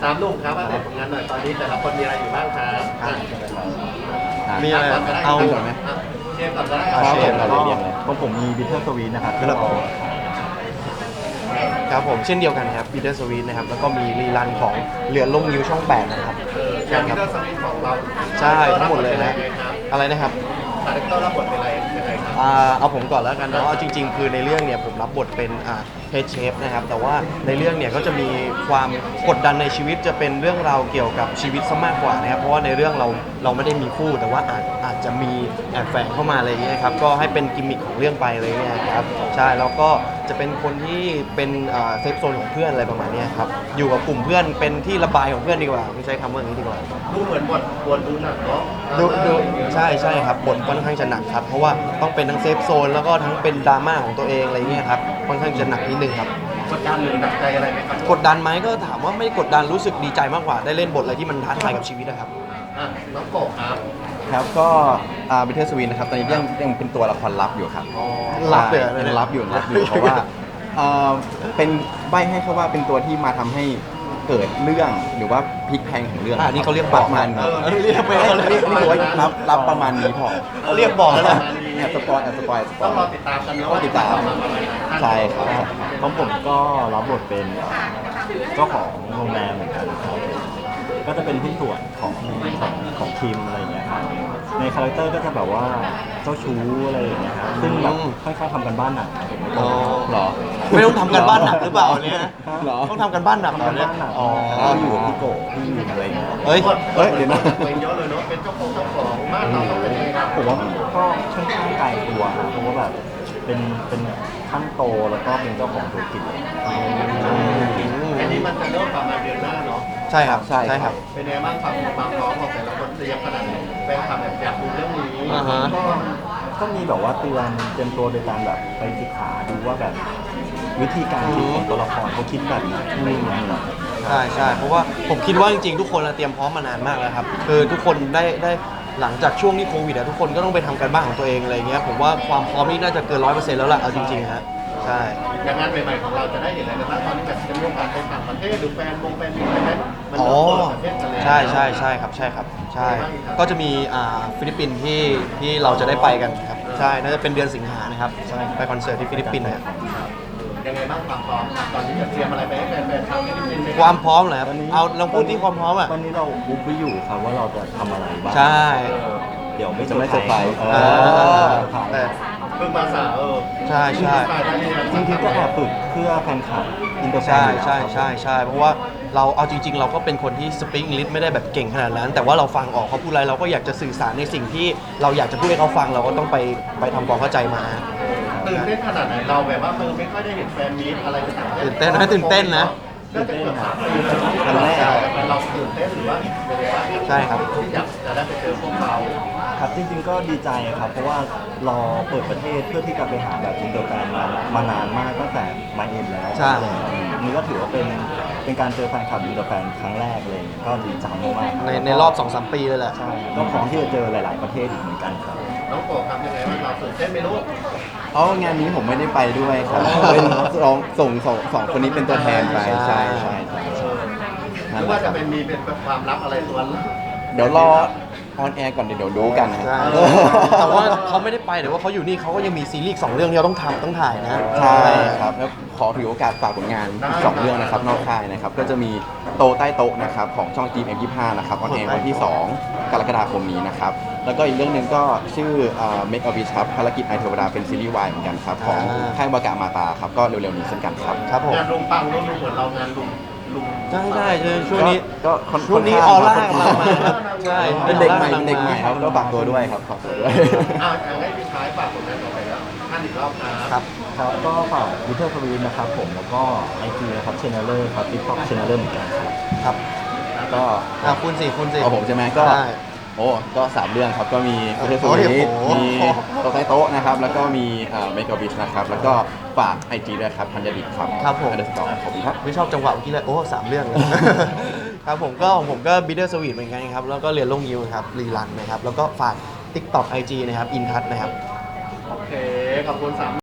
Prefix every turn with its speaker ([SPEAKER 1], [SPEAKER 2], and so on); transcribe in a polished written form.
[SPEAKER 1] ตามลูกครับว่าผลงานหน่อยตอนนี้แต่ละคนมีอะไรอยู่บ้างครับ
[SPEAKER 2] มีอะไร
[SPEAKER 1] เอา
[SPEAKER 2] ก่อนไหม
[SPEAKER 1] เชฟก่อนก็ได้
[SPEAKER 2] เชฟเราเรียงเลย
[SPEAKER 3] ของผมมีบิทเทอร์สวีทนะครับที่เรา
[SPEAKER 2] ครับผมเช่นเดียวกันครับ Bitter Sweet นะครับแล้วก็มีรีรันของเรือล่มนิ้วช่อง8นะครับ
[SPEAKER 1] อย่างที่เราสมิธของเรา
[SPEAKER 2] ใช่ทั้งหมดเลยนะอะไรนะครับ
[SPEAKER 1] คาแรคเตอร์รับบทเป็นอะไรยังไงครับ
[SPEAKER 2] เอาผมก่อนแล้วกันเนาะเอาจริงๆคือในเรื่องเนี่ยผมรับบทเป็นเฮดเชฟนะครับแต่ว่าในเรื่องเนี่ยก็จะมีความกดดันในชีวิตจะเป็นเรื่องราวเกี่ยวกับชีวิตซะมากกว่านะครับเพราะว่าในเรื่องเราไม่ได้มีคู่แต่ว่าอาจจะมีแอบแฝงเข้ามาอะไรอย่างเงี้ยครับก็ให้เป็นกิมมิคของเรื่องไปเลยเนี่ยครับใช่แล้วก็จะเป็นคนที่เป็นเซฟโซนของเพื่อนอะไรประมาณนี้ครับอยู่กับกลุ่มเพื่อนเป็นที่ระบายของเพื่อนดีกว่าไม่ใช้คำว่าอย่างนี้ดีกว่า
[SPEAKER 1] ดูเหมือนบทดูหนักเนาะ
[SPEAKER 2] ดูใช่ครับบทค่อนข้างจะหนักครับเพราะว่าต้องเป็นทั้งเซฟโซนแล้วก็ทั้งเป็นดราม่าของตัวเองอะไรเงี้ยครับค่อนข้างจะหนักนิดนึงครับ
[SPEAKER 1] กดดันหรือหนักใจอะไรไหมครับ
[SPEAKER 2] กดดันไหมก็ถามว่าไม่กดดันรู้สึกดีใจมากกว่าได้เล่นบทอะไรที่มันท้าทายกับชีวิตนะครับ
[SPEAKER 1] น้องโกบครับ
[SPEAKER 3] ครับก็บิทเทอร์สวีทนะครับตอนนี้ยังเป็นตัวละครลับอยู่ครับ
[SPEAKER 2] ลับเลย
[SPEAKER 3] ใช่ยังลับอยู่เพราะว่าเป็นใบให้เขาว่าเป็นตัวที่มาทำให้เกิดเรื่องหรือว่าพลิกแพลงของเรื่อง
[SPEAKER 2] นี่เขาเรียก
[SPEAKER 3] ป
[SPEAKER 2] บ
[SPEAKER 3] ระ
[SPEAKER 2] อก
[SPEAKER 3] มาณนี้
[SPEAKER 2] เรียกไป
[SPEAKER 3] นี่คือว่ารับประมาณนี้พอ
[SPEAKER 2] เขาเรียกบอกแล้วนะ
[SPEAKER 3] แอบสปอย
[SPEAKER 1] ต้องรอติดตามกันเนาะ
[SPEAKER 3] ต้องติดตามใช่ครับ
[SPEAKER 4] ของผมก็รับบทเป็นเจ้าของโรงแรมเหมือนกันครับก็จะเป็นหุ้นส่วนของทีมอะไรอย่างเงี้ยครับในคาแรคเตอร์ก็จะแบบว่าเจ้าชู้อะไรอย่างเงี้ยครับซึ่งแบบค่อนข้างทำกันบ้านหนักครับผม
[SPEAKER 2] อ๋อ
[SPEAKER 3] เหรอ
[SPEAKER 2] ไม่ต้องทำกันบ้านหนักหรือเปล่าเนี่ย
[SPEAKER 3] เหรอ
[SPEAKER 2] ต้องทำกันบ้านหนักเหรอเนี่ยอ๋อ
[SPEAKER 4] ก็อยู่กับพี่โกพี่วินอะไรอย่างเงี้ย
[SPEAKER 2] เฮ้ย
[SPEAKER 3] เดี๋ยวนะ
[SPEAKER 1] เป็นเยอะเลยเนาะเป็นเจ้าของบ้านเราต้องเป็นยังไงครับ
[SPEAKER 4] ผมว่าก็ค่อนข้างไกลตัวครับเพราะว่าแบบเป็นขั้นโตแล้วก็เป็นเจ้าของธุรกิจเลย
[SPEAKER 1] อันนี้มันจะเริ่มประมาณเดือนหน้าเนาะ
[SPEAKER 2] ใช่ครับ
[SPEAKER 3] ใช่
[SPEAKER 2] ใช่ครับ
[SPEAKER 1] เป็นไงบ้างความพร้อมของแต่ละคนเตรียมขนาดไหนแฟนคลับอยากดูเรื่องนี้
[SPEAKER 2] อ่าฮะ
[SPEAKER 4] ก็มีแบบว่าเตรียมตัวโดยการแบบไปศึกษาดูว่าแบบวิธีการคิดของตัวละครเขาคิดแบบไหนอะไรอย่างเงี้ยครับ
[SPEAKER 2] ใช่เพราะว่าผมคิดว่าจริงๆทุกคนเตรียมพร้อมมานานมากแล้วครับคือทุกคนได้หลังจากช่วงที่โควิดทุกคนก็ต้องไปทำการบ้านของตัวเองอะไรเงี้ยผมว่าความพร้อมนี่น่าจะเกิน100%แล้วล่ะเอาจริงๆฮะใช่
[SPEAKER 1] อย่างงานใหม่ๆของเราจะได้เห็นอะไรกันบ้างตอนนี้แบบจะมีโอกาสไปต่างประเทศหรือแฟนอะไรไหมมัน
[SPEAKER 2] อ๋อ
[SPEAKER 1] เริ่มเปิดประเทศกันแล้ว
[SPEAKER 2] ใช่ครับใช่ก็จะมีฟิลิปปินส์ที่เราจะได้ไปกันครับใช่น่าจะเป็นเดือนสิงหานะครับไปคอนเสิร์ตที่ฟิลิปปินส์นะครับ
[SPEAKER 1] ยังไงบ้างความพร้อมตอนนี้จะเตรียมอะไรไปให้แฟนๆชาวฟิลิปปินส์ไหม
[SPEAKER 2] ความพร้อมเหรอครับเอาลองพูดที่ความพร้อมอ่ะ
[SPEAKER 4] ตอนนี้เราบุ๊กไว้อยู่ครับว่าเราจะทำอะไรบ้าง
[SPEAKER 2] ใช่
[SPEAKER 4] เดี๋ยวไม่
[SPEAKER 3] จะไม่เซอร์ไพรส์
[SPEAKER 2] แต่
[SPEAKER 1] เพิ่งมาสาว
[SPEAKER 2] ใช่
[SPEAKER 4] จริงๆก็แอบฝึกเพื่อแฟนคลับอินเตอร์แฟน
[SPEAKER 2] ใช่เพราะว่าเราเอาจริงๆ เราก็เป็นคนที่สปีกอังกฤษไม่ได้แบบเก่งขนาดนั้น แต่ว่าเราฟังออกเขาพูดอะไรเราก็อยากจะสื่อสารในสิ่งที่เราอยากจะพูดให้เขาฟังเราก็ต้องไปทำความเข้าใจมา
[SPEAKER 1] ตื่นเต้นขนาดไหนเราแบบว่าไม่ค่อยได้เห็นแฟนมีตอะไรต่างๆ
[SPEAKER 2] ตื่นเต้นนะตื่นเต้นนะ
[SPEAKER 1] น่าจะเกือบ3 ปีแล้วครั้งแรกเราตื่นเต้นหรือว่าเป็นยังไงบ้าง
[SPEAKER 2] ใช่ครับ
[SPEAKER 1] ที่อยากจะได้ไปเจอพวกเขา
[SPEAKER 4] ครับจริงๆก็ดีใจครับ เพราะว่ารอเปิดประเทศเพื่อที่จะไปหาแบบอินเตอร์แฟนมานานมากตั้งแต่มาเอ็นแล้ว
[SPEAKER 2] ใช่
[SPEAKER 4] นี่ก็ถือว่าเป็นการเจอแฟนคลับอินเตอร์แฟนครั้งแรกเลยก็ดีใจมากๆ
[SPEAKER 2] ในรอบ 2-3 ปีเลยแหละ
[SPEAKER 4] ใช่ก็พร้อมที่จะเจอหลาย ๆประเทศอีกเหมือนกันครับ
[SPEAKER 1] น้องโกครับยังไงบ้างเราตื่นเต้นไหมลูก
[SPEAKER 3] เพราะงานนี้ผมไม่ได้ไปด้วยครับเป็นส่งสองคนนี้เป็นตัวแทนไปใช่
[SPEAKER 1] หรือว่าจะมีเป็นความลับอะไรตัว
[SPEAKER 3] เดี๋ยวรอออนแอร์ก่อนเดี๋ยวดูกันนะ
[SPEAKER 2] ใช่แต่ว่าเขาไม่ได้ไปแต่ว่าเขาอยู่นี่เขาก็ยังมีซีรีส์2 เรื่องที่เราต้องถ่ายนะ
[SPEAKER 3] ใช่ครับแล้วขอถือโอกาสฝากผลงานอีก2 เรื่องนะครับนอกค่ายนะครับก็จะมีโตใต้โต๊ะนะครับของช่อง GMM25 นะครับออนแอร์วันที่ 2 กรกฎาคมนี้นะครับแล้วก็อีกเรื่องหนึ่งก็ชื่อMake a Wish ครับภารกิจไอเทวดาเป็นซีรีส์วายเหมือนกันครับของค่ายบากะมาตาครับก็เร็วๆนี้เช่นกันครับ
[SPEAKER 2] ครับผม
[SPEAKER 1] งานลุงปังลุงเหมือนเรางานลุง
[SPEAKER 2] ใช่ช่วงนี้
[SPEAKER 3] ก็
[SPEAKER 2] ช่วงนี้ออร่ากำลังมาครับใช่
[SPEAKER 3] เป็นเด็กใหม่ครับก็ฝากตัวด้วยครับฝากตัวด้วย
[SPEAKER 1] ให้พี่ชายฝากผลงานต่อไปแล้วท่านอีกรอบ
[SPEAKER 2] ครับ
[SPEAKER 4] ครับก็ฝากวิเทอร์ทวีนนะครับผมแล้วก็ไอจีนะครับเชนเนอร์ครับติ๊กต็อกเชนเนอร์เหมือนกันครับ
[SPEAKER 2] ครับ
[SPEAKER 3] ก็
[SPEAKER 2] คุณสิ
[SPEAKER 3] เอาผมใช่ไหมก็
[SPEAKER 2] ใช่
[SPEAKER 3] ก็3 เรื่องครับก็มีโปรเทส
[SPEAKER 2] โอ้
[SPEAKER 3] โซ
[SPEAKER 2] โห
[SPEAKER 3] นิมีโต๊ะใต้โต๊ะนะครับแล้วก็มีเมกาบิชนะครับแล้วก็ฝากไอจีด้วยครับธัญดิตครับ
[SPEAKER 2] ครับผม
[SPEAKER 3] _ขอบคุณครับ
[SPEAKER 2] ไม่ชอบจังหวะเมื่อกี้เลย3 เรื่องเลย ครับผมก็บิทเทอร์สวีทเหมือนกันครับแล้วก็เรียนลงยิวครับรีรันนะครับแล้วก็ฝาก TikTok IG นะครับอินทัศนะครับ
[SPEAKER 1] โอเคขอบคุณ3